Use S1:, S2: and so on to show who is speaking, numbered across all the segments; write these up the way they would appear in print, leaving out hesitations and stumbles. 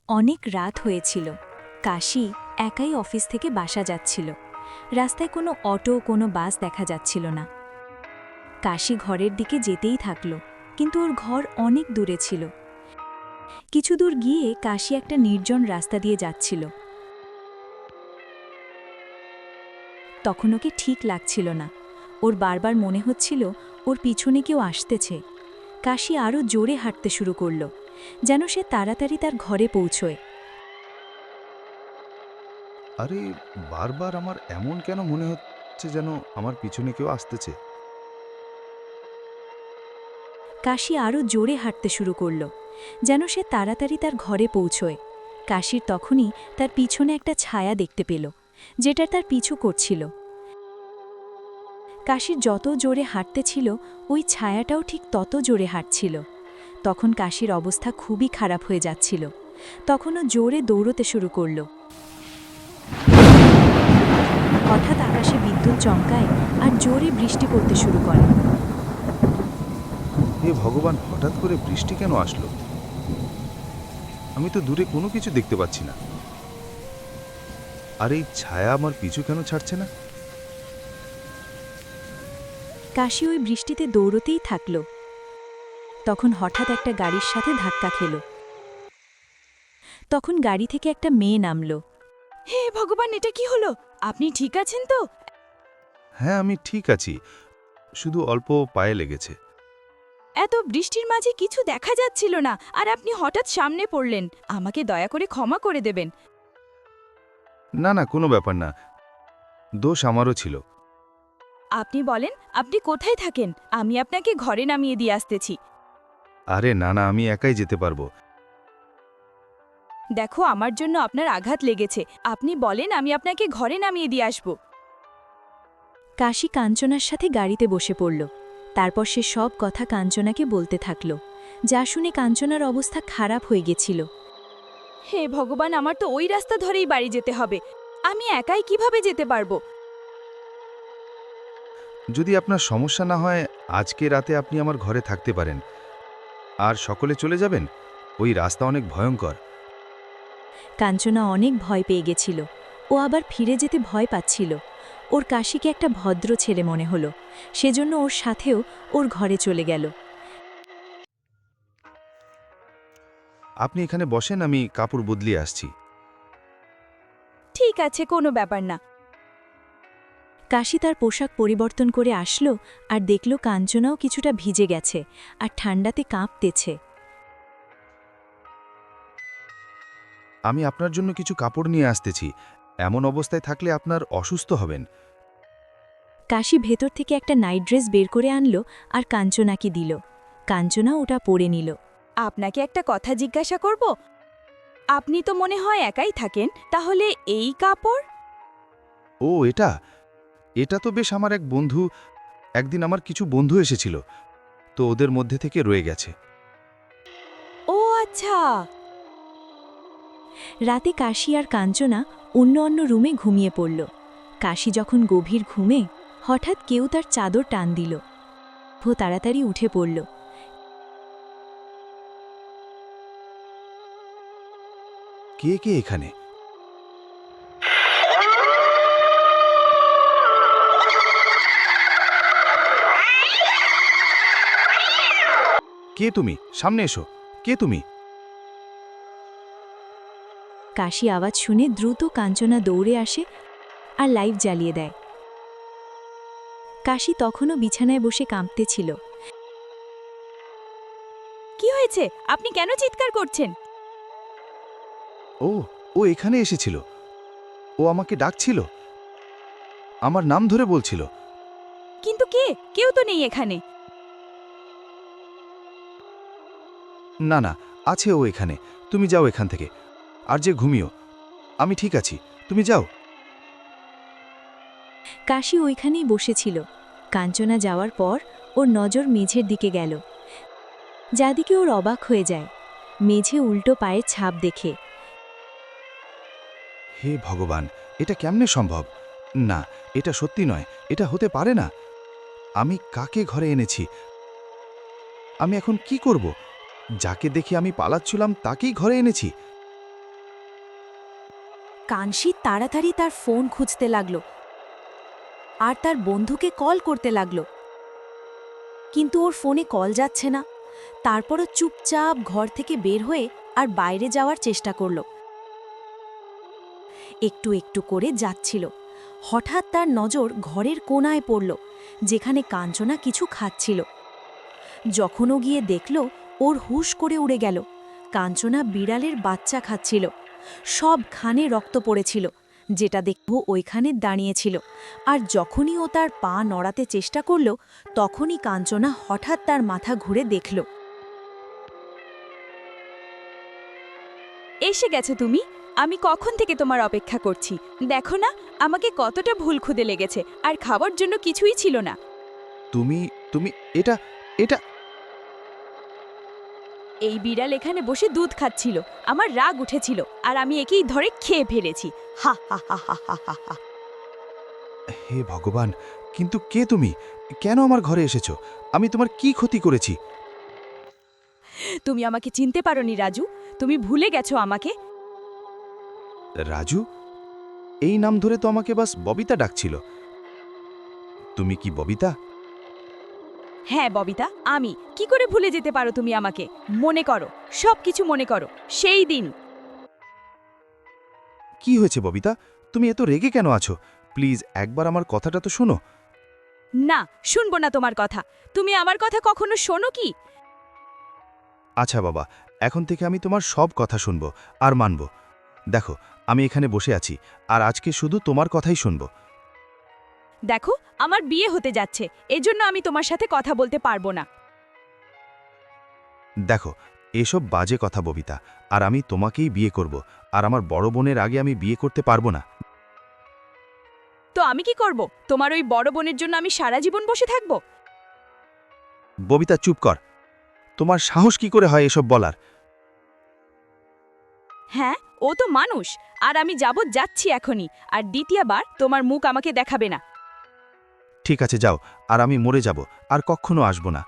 S1: অনেক রাত হয়েছিল। কাশি একাই অফিস থেকে বাসা যাচ্ছিল। রাস্তায় কোনো অটো কোনো বাস দেখা যাচ্ছিল না। কাশি ঘরের দিকে যেতেই থাকল, কিন্তু ওর ঘর অনেক দূরে ছিল। কিছু দূর গিয়ে কাশি একটা নির্জন রাস্তা দিয়ে যাচ্ছিল। তখন ওকে ঠিক লাগছিল না। ওর বারবার মনে হচ্ছিল ওর পিছনে কেউ আসতেছে। কাশি আরও জোরে হাঁটতে শুরু করল, যেন সে তাড়াতাড়ি তার ঘরে পৌঁছয়।
S2: আরে, বারবার আমার এমন কেন মনে হচ্ছে যেন আমার পিছনে কেউ আসতেছে?
S1: কাশি আরও জোরে হাঁটতে শুরু করল, যেন সে তাড়াতাড়ি তার ঘরে পৌঁছয়। কাশির তখনই তার পিছনে একটা ছায়া দেখতে পেল, যেটা তার পিছু করছিল। কাশির যত জোরে হাঁটতে ছিল, ওই ছায়াটাও ঠিক তত জোরে হাঁটছিল। তখন কাশির অবস্থা খুবই খারাপ হয়ে যাচ্ছিল। তখনও জোরে দৌড়তে শুরু করল। হঠাৎ আকাশে বিদ্যুৎ চমকায় আর জোরে বৃষ্টি পড়তে শুরু করে।
S2: হে ভগবান, হঠাৎ করে বৃষ্টি কেন আসলো? আমি তো দূরে কোনো কিছু দেখতে পাচ্ছি না। আর এই ছায়া আমার পিছু কেন ছাড়ছে না?
S1: কাশি ওই বৃষ্টিতে দৌড়তেই থাকল। তখন হঠাৎ একটা গাড়ির সাথে ধাক্কা খেল। তখন গাড়ি থেকে একটা মেয়ে নামল।
S3: হে ভগবান, এটা কি হলো? আপনি ঠিক আছেন তো?
S2: হ্যাঁ, আমি ঠিক আছি, শুধু অল্প পায়ে লেগেছে।
S3: এত বৃষ্টির মাঝে কিছু দেখা যাচ্ছিল না, আর আপনি হঠাৎ সামনে পড়লেন। আমাকে দয়া করে ক্ষমা করে দেবেন।
S2: না না, কোনো ব্যাপার না, দোষ আমারও ছিল।
S3: আপনি বলেন, আপনি কোথায় থাকেন? আমি আপনাকে ঘরে নামিয়ে দিয়ে আসতেছি।
S2: আরে না না, আমি একাই যেতে পারবো।
S3: দেখো, আমার জন্য আপনার আঘাত লেগেছে। আপনি বলেন, আমি আপনাকে ঘরে নামিয়ে দিয়ে আসব।
S1: কাশি কাঞ্চনার সাথে গাড়িতে বসে পড়ল। তারপর সে সব কথা কাঞ্চনাকে বলতে থাকল, যা শুনে কাঞ্চনার অবস্থা খারাপ হয়ে গেছিল।
S3: হে ভগবান, আমার তো ওই রাস্তা ধরেই বাড়ি যেতে হবে। আমি একাই কিভাবে যেতে পারবো?
S2: যদি আপনার সমস্যা না হয়, আজকে রাতে আপনি আমার ঘরে থাকতে পারেন। আর সকলে চলে যাবেন। ওই রাস্তা অনেক ভয়ঙ্কর।
S1: কাঞ্চনা অনেক ভয় পেয়ে গেছিল। ও আবার ফিরে যেতে ভয় পাচ্ছিল। ওর কাশিকে একটা ভদ্র ছেলে মনে হলো, সেজন্য ওর সাথেও ওর ঘরে চলে গেল।
S2: আপনি এখানে বসেন, আমি কাপড় বদলিয়ে আসছি।
S3: ঠিক আছে, কোনো ব্যাপার না।
S1: কাশি তার পোশাক পরিবর্তন করে আসলো আর দেখল কাঞ্চনাও কিছুটা ভিজে গেছে আর ঠান্ডাতে কাঁপতেছে।
S2: আমি আপনার জন্য কিছু কাপড় নিয়ে আসতেছি। এমন অবস্থায় থাকলে আপনার অসুস্থ হবেন।
S1: কাশি ভেতর থেকে একটা নাইট ড্রেস বের করে আনলো আর কাঞ্চনাকে দিল। কাঞ্চনা ওটা পরে নিল।
S3: আপনাকে একটা কথা জিজ্ঞাসা করব? আপনি তো মনে হয় একাই থাকেন, তাহলে এই কাপড়?
S2: ও, এটা এটা তো বেশ আমার এক বন্ধু। একদিন আমার কিছু বন্ধু এসেছিল, তো ওদের মধ্যে থেকে রয়ে গেছে।
S3: ও আচ্ছা।
S1: রাতে কাশি আর কাঞ্চনা অন্য অন্য রুমে ঘুমিয়ে পড়ল। কাশি যখন গভীর ঘুমে, হঠাৎ কেউ তার চাদর টান দিল। ও তাড়াতাড়ি উঠে পড়ল।
S2: কে কে এখানে? কে তুমি? সামনে এসো। কে তুমি?
S1: কাশি আওয়াজ শুনে দ্রুত কাঞ্চনা দৌড়ে আসে আর লাইট জ্বালিয়ে দেয়। কাশি তখনও বিছানায় বসে কাঁপতেছিল।
S3: কি হয়েছে? আপনি কেন চিৎকার করছেন?
S2: ও, ও এখানে এসেছিল। ও আমাকে ডাকছিল, আমার নাম ধরে বলছিল।
S3: কিন্তু কে? কেউ তো নেই এখানে।
S2: না না, আছে ও এখানে। তুমি যাও এখান থেকে, আর যে ঘুমিও। আমি ঠিক আছি, তুমি যাও।
S1: কাশি ওইখানেই বসেছিল। কাঞ্চনা যাওয়ার পর ওর নজর মেঝের দিকে গেল, যাদিকে ওর অবাক হয়ে যায়। মেঝে উল্টো পায়ের ছাপ দেখে।
S2: হে ভগবান, এটা কেমনে সম্ভব? না, এটা সত্যি নয়, এটা হতে পারে না। আমি কাকে ঘরে এনেছি? আমি এখন কি করব? যাকে দেখে আমি পালাচ্ছিলাম তাকেই ঘরে এনেছি।
S1: কানশি তাড়াতাড়ি তার ফোন খুঁজতে লাগলো আর তার বন্ধুকে কল করতে লাগলো, কিন্তু ওর ফোনে কল যাচ্ছে না। তারপরও চুপচাপ ঘর থেকে বের হয়ে আর বাইরে যাওয়ার চেষ্টা করল। একটু একটু করে যাচ্ছিল। হঠাৎ তার নজর ঘরের কোণায় পড়ল, যেখানে কাঞ্চনা কিছু খাচ্ছিল। যখন ও গিয়ে দেখল, ওর হুশ করে উড়ে গেল। কাঞ্চনা বিড়ালের বাচ্চা খাচ্ছিল। সবখানে রক্ত পড়েছিল, যেটা দেখব ওইখানে দাঁড়িয়েছিল। আর যখনই ও তার পা নড়াতে চেষ্টা করল, তখনই কাঞ্চনা হঠাৎ তার মাথা ঘুরে দেখল।
S3: এসে গেছো তুমি। আমি কখন থেকে তোমার অপেক্ষা করছি। দেখো না আমাকে কতটা ভুল খুদে লেগেছে, আর খাবার জন্য কিছুই ছিল না।
S2: তুমি তুমি এটা এটা
S3: এই বিড়াল এখানে বসে দুধ খাচ্ছিল, আমার রাগ উঠেছিল, আর আমি একেই ধরে খেয়ে ফেলেছি। হা হা হা হা হা হা হা।
S2: হে ভগবান, কিন্তু কে তুমি? কেন আমার ঘরে এসেছো? আমি তোমার কি ক্ষতি করেছি?
S3: তুমি আমাকে চিনতে পারোনি রাজু। তুমি ভুলে গেছো আমাকে।
S2: রাজু? এই নাম ধরে তো আমাকে বাস ববিতা ডাকছিল। তুমি কি ববিতা?
S3: হ্যাঁ ববিতা, আমি। কি করে ভুলে যেতে পারো তুমি আমাকে? মনে করো, সব কিছু মনে করো, সেই দিন।
S2: কি হয়েছে ববিতা? তুমি এত রেগে কেন আছো? প্লিজ একবার আমার কথাটা তো শোনো।
S3: না, শুনবো না তোমার কথা। তুমি আমার কথা কখনো শোনো কি?
S2: আচ্ছা বাবা, এখন থেকে আমি তোমার সব কথা শুনবো আর মানব। দেখো, আমি এখানে বসে আছি আর আজকে শুধু তোমার কথাই শুনবো।
S3: দেখো, আমার বিয়ে হতে যাচ্ছে, এজন্য আমি তোমার সাথে কথা বলতে পারবো না।
S2: দেখো, এসব বাজে কথা ববিতা, আর আমি তোমাকেই বিয়ে করব, আর আমার বড় বোনের আগে আমি বিয়ে করতে পারবো না।
S3: তো আমি কি করব? তোমার ওই বড় বোনের জন্য আমি সারা জীবন বসে থাকবো?
S2: ববিতা চুপ কর। তোমার সাহস কি করে হয় এসব বলার?
S3: হ্যাঁ, ও তো মানুষ। আর আমি যাচ্ছি এখনই। আর দ্বিতীয়বার তোমার মুখ আমাকে দেখাবে না।
S2: ঠিক আছে যাও, আর আমি মরে যাব, আর কখনো আসব না।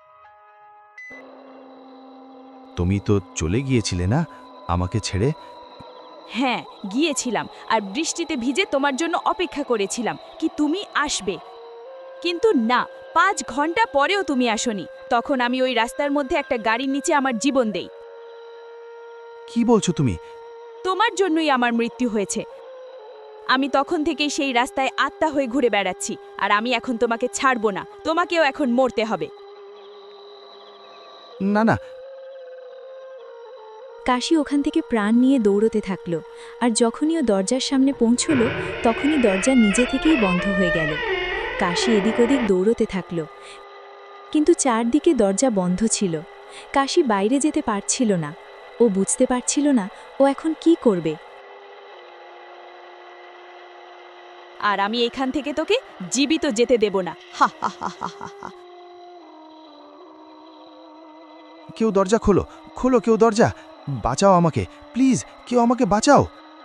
S2: তুমি তো চলে গিয়েছিলে না আমাকে ছেড়ে?
S3: হ্যাঁ, গিয়েছিলাম, আর বৃষ্টিতে ভিজে তোমার জন্য অপেক্ষা করেছিলাম কি তুমি আসবে। কিন্তু না, 5 ঘন্টা পরেও তুমি আসোনি। তখন আমি ওই রাস্তার মধ্যে একটা গাড়ির নিচে আমার জীবন দেই।
S2: কি বলছো তুমি?
S3: তোমার জন্যই আমার মৃত্যু হয়েছে। আমি তখন থেকেই সেই রাস্তায় আত্মা হয়ে ঘুরে বেড়াচ্ছি, আর আমি এখন তোমাকে ছাড়বো না। তোমাকেও এখন মরতে হবে।
S2: না না।
S1: কাশি ওখান থেকে প্রাণ নিয়ে দৌড়তে থাকল, আর যখনই ও দরজার সামনে পৌঁছল, তখনই দরজা নিজে থেকেই বন্ধ হয়ে গেল। কাশি এদিক ওদিক দৌড়তে থাকল, কিন্তু চারদিকে দরজা বন্ধ ছিল। কাশি বাইরে যেতে পারছিল না। ও বুঝতে পারছিল না ও এখন কি করবে।
S3: আর আমি এখান থেকে তোকে জীবিত যেতে দেব না। হা হা হা হা হা হা।
S2: কেউ দরজা খোলো, খোলো কেউ দরজা। বাঁচাও আমাকে, প্লিজ কেউ আমাকে বাঁচাও।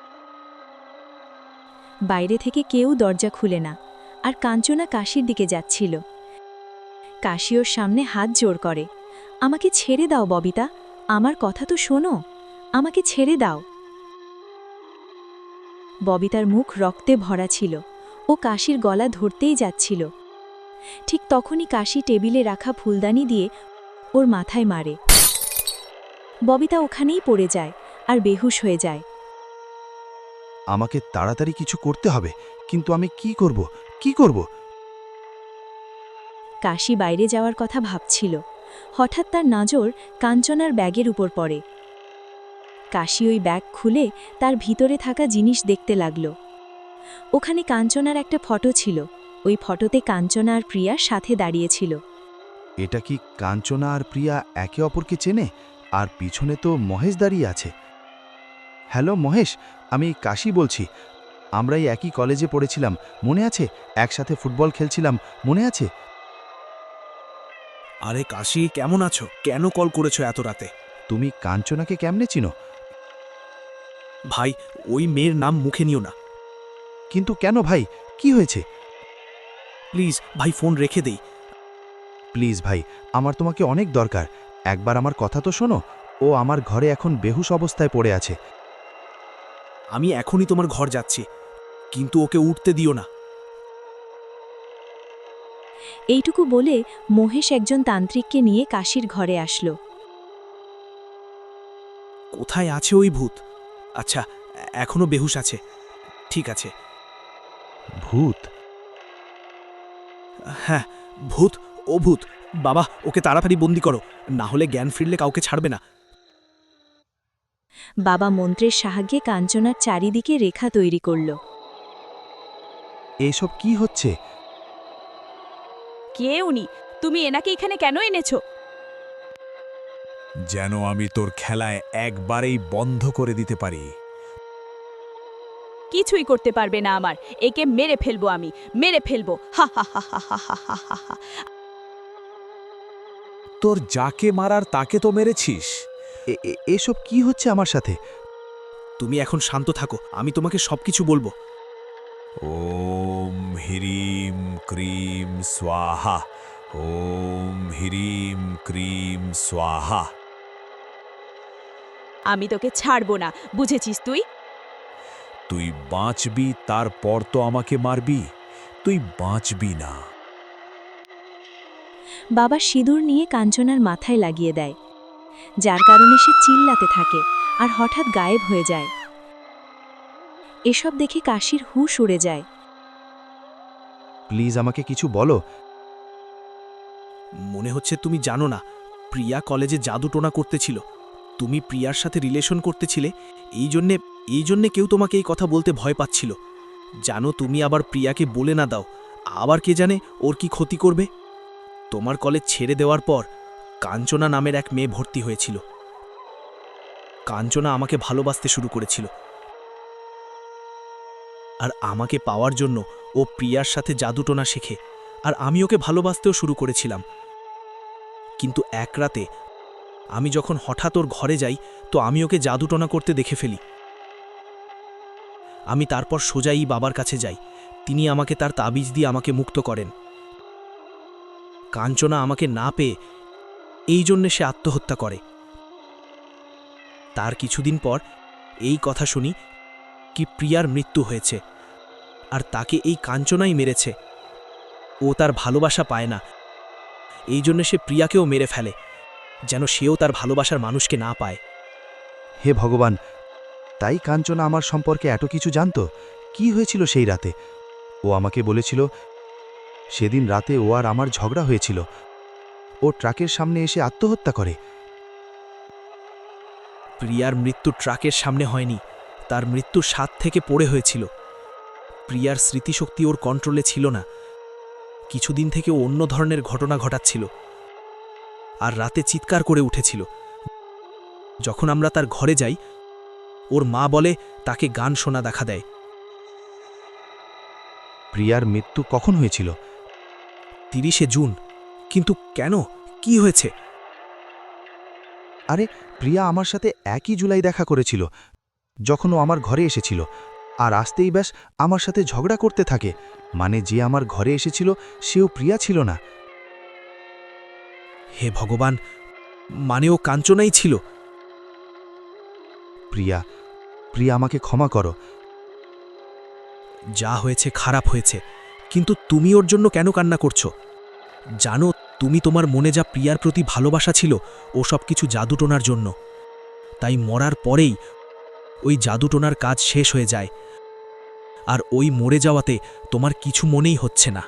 S1: বাইরে থেকে কেউ দরজা খুলে না, আর কাঞ্চনা কাশির দিকে যাচ্ছিল। কাশি ওর সামনে হাত জোড় করে। আমাকে ছেড়ে দাও ববিতা, আমার কথা তো শোনো, আমাকে ছেড়ে দাও। ববিতার মুখ রক্তে ভরা ছিল। ও কাশির গলা ধরতেই যাচ্ছিল। ঠিক তখনই কাশি টেবিলে রাখা ফুলদানি দিয়ে ওর মাথায় মারে। ববিতা ওখানেই পড়ে যায় আর বেহুশ হয়ে যায়।
S2: আমাকে তাড়াতাড়ি কিছু করতে হবে, কিন্তু আমি কি করব, কি করব?
S1: কাশি বাইরে যাওয়ার কথা ভাবছিল। হঠাৎ তার নজর কাঞ্চনার ব্যাগের উপর পড়ে। কাশি ওই ব্যাগ খুলে তার ভিতরে থাকা জিনিস দেখতে লাগল। ওখানে কাঞ্চনার একটা ফটো ছিল। ওই ফটোতে কাঞ্চনা আর প্রিয়া সাথে দাঁড়িয়েছিল।
S2: এটা কি কাঞ্চনা আর প্রিয়া একে অপরকে চেনে? আর পিছনে তো মহেশ দাঁড়িয়ে আছে। হ্যালো মহেশ, আমি কাশি বলছি। আমরাই একই কলেজে পড়েছিলাম, মনে আছে? একসাথে ফুটবল খেলছিলাম, মনে আছে?
S4: আরে কাশি, কেমন আছো? কেন কল করেছো এত রাতে?
S2: তুমি কাঞ্চনাকে কেমনে চিনো?
S4: ভাই, ওই মেয়ের নাম মুখে নিও না
S2: কিন্তু কেন ভাই, কি হয়েছে?
S4: প্লিজ ভাই, ফোন রেখে দেই।
S2: প্লিজ ভাই, আমার তোমাকে অনেক দরকার। একবার আমার কথা তো শোনো। ও আমার ঘরে এখন বেহুশ অবস্থায় পড়ে আছে।
S4: আমি এখনই তোমার ঘর যাচ্ছি, কিন্তু ওকে উঠতে দিও না।
S1: এইটুকু বলে মহেশ একজন তান্ত্রিককে নিয়ে কাশির ঘরে আসলো।
S4: কোথায় আছে ওই ভূত? আচ্ছা, এখনো বেহুশ আছে। ঠিক আছে।
S2: ভূত?
S4: হ্যাঁ, ভূত। ও ভূত। বাবা, ওকে তাড়াতাড়ি বন্দি করো, না হলে জ্ঞান ফিরলে কাউকে ছাড়বে না।
S1: বাবা মন্ত্রের সাহায্যে কাঞ্চনার চারিদিকে রেখা তৈরি করল।
S2: এইসব কি হচ্ছে?
S3: কে উনি? তুমি এনাকে এখানে কেন এনেছো?
S5: যেন আমি তোর খেলায় একবারেই বন্ধ করে দিতে পারি।
S3: কিছুই করতে পারবে না আমার। একে মেরে ফেলবো আমি, মেরে ফেলবো। হা হা হা হা হা হা হা হা।
S5: তোর যাকে মারার তাকে তো মেরেছিস।
S2: এসব কি হচ্ছে আমার সাথে?
S4: তুমি এখন শান্ত থাকো, আমি তোমাকে সবকিছু বলবো।
S5: ওম হ্রিম ক্রিম স্বাহা। ওম হ্রিম ক্রিম স্বাহা।
S3: আমি তোকে ছাড়বো না, বুঝেছিস তুই?
S5: তুই বাঁচবি, তারপর তো আমাকে মারবি। তুই বাঁচবি না।
S1: বাবা সিঁদুর নিয়ে কাঞ্চনার মাথায় লাগিয়ে দেয়, যার কারণে সে চিল্লাতে থাকে আর হঠাৎ গায়েব হয়ে যায়। এসব দেখে কাশির হুঁশ উড়ে যায়।
S2: প্লিজ আমাকে কিছু বলো।
S4: মনে হচ্ছে তুমি জানো না, প্রিয়া কলেজে জাদুটোনা করতেছিল। তুমি প্রিয়ার সাথে রিলেশন করতেছিলে, এই জন্যে কেউ তোমাকে এই কথা বলতে ভয় পাচ্ছিল। জানো, তুমি আবার প্রিয়াকে বলে না দাও, আবার কে জানে ওর কি ক্ষতি করবে। তোমার কলেজ ছেড়ে দেওয়ার পর কাঞ্চনা নামের এক মেয়ে ভর্তি হয়েছিল। কাঞ্চনা আমাকে ভালোবাসতে শুরু করেছিল, আর আমাকে পাওয়ার জন্য ও প্রিয়ার সাথে জাদুটোনা শেখে, আর আমি ওকে ভালোবাসতেও শুরু করেছিলাম। কিন্তু এক রাতে আমি যখন হঠাৎ ওর ঘরে যাই, তো আমি ওকে জাদুটোনা করতে দেখে ফেলি। আমি তারপর সোজাই বাবার কাছে যাই। তিনি আমাকে তার তাবিজ দিয়ে আমাকে মুক্ত করেন। কাঞ্চনা আমাকে না পেয়ে এই জন্যে সে আত্মহত্যা করে। তার কিছুদিন পর এই কথা শুনি কি প্রিয়ার মৃত্যু হয়েছে, আর তাকে এই কাঞ্চনাই মেরেছে। ও তার ভালোবাসা পায় না, এই জন্য সে প্রিয়াকেও মেরে ফেলে, যেন সেও তার ভালোবাসার মানুষকে না পায়।
S2: হে ভগবান, তাই কাঞ্চনা আমার সম্পর্কে এত কিছু জানতো? কি হয়েছিল সেই রাতে? ও আমাকে বলেছিল সেদিন রাতে ও আর আমার ঝগড়া হয়েছিল। ও ট্রাকের সামনে এসে আত্মহত্যা করে।
S4: প্রিয়ার মৃত্যু ট্রাকের সামনে হয়নি, তার মৃত্যু ছাদ থেকে পড়ে হয়েছিল। প্রিয়ার স্মৃতিশক্তি ওর কন্ট্রোলে ছিল না। কিছুদিন থেকে ও অন্য ধরনের ঘটনা ঘটাচ্ছিল, আর রাতে চিৎকার করে উঠেছিল। যখন আমরা তার ঘরে যাই, ওর মা বলে তাকে গান শোনা দেখা দেয়।
S2: প্রিয়ার মৃত্যু কখন হয়েছিল?
S4: 30শে জুন। কিন্তু কেন, কি হয়েছে?
S2: আরে, প্রিয়া আমার সাথে 1 জুলাই দেখা করেছিল, যখন ও আমার ঘরে এসেছিল। আর আসতেই ব্যাস আমার সাথে ঝগড়া করতে থাকে। মানে যে আমার ঘরে এসেছিল সেও প্রিয়া ছিল না।
S4: হে ভগবান, মানে ও কাঞ্চনাই ছিল।
S2: প্রিয়া, প্রিয়া আমাকে ক্ষমা করো।
S4: যা হয়েছে খারাপ হয়েছে, কিন্তু তুমি ওর জন্য কেন কান্না করছো? জানো, তুমি তোমার মনে যা প্রিয়ার প্রতি ভালোবাসা ছিল, ও সব কিছু জাদুটোনার জন্য। তাই মরার পরেই ওই জাদুটোনার কাজ শেষ হয়ে যায়, আর ওই মরে যাওয়াতে তোমার কিছু মনেই হচ্ছে না।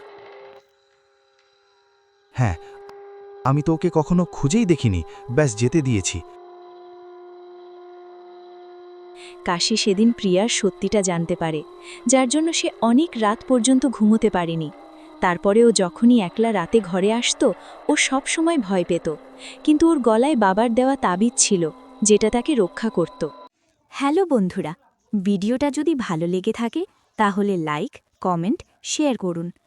S2: হ্যাঁ, আমি তো ওকে কখনো খুঁজেই দেখিনি, ব্যাস যেতে দিয়েছি।
S1: কাশি সেদিন প্রিয়ার সত্যিটা জানতে পারে, যার জন্য সে অনেক রাত পর্যন্ত ঘুমোতে পারেনি। তারপরেও যখনই একলা রাতে ঘরে আসতো, ও সব সময় ভয় পেত, কিন্তু ওর গলায় বাবার দেওয়া তাবিজ ছিল, যেটা তাকে রক্ষা করত। হ্যালো বন্ধুরা, ভিডিওটা যদি ভালো লেগে থাকে তাহলে লাইক, কমেন্ট, শেয়ার করুন।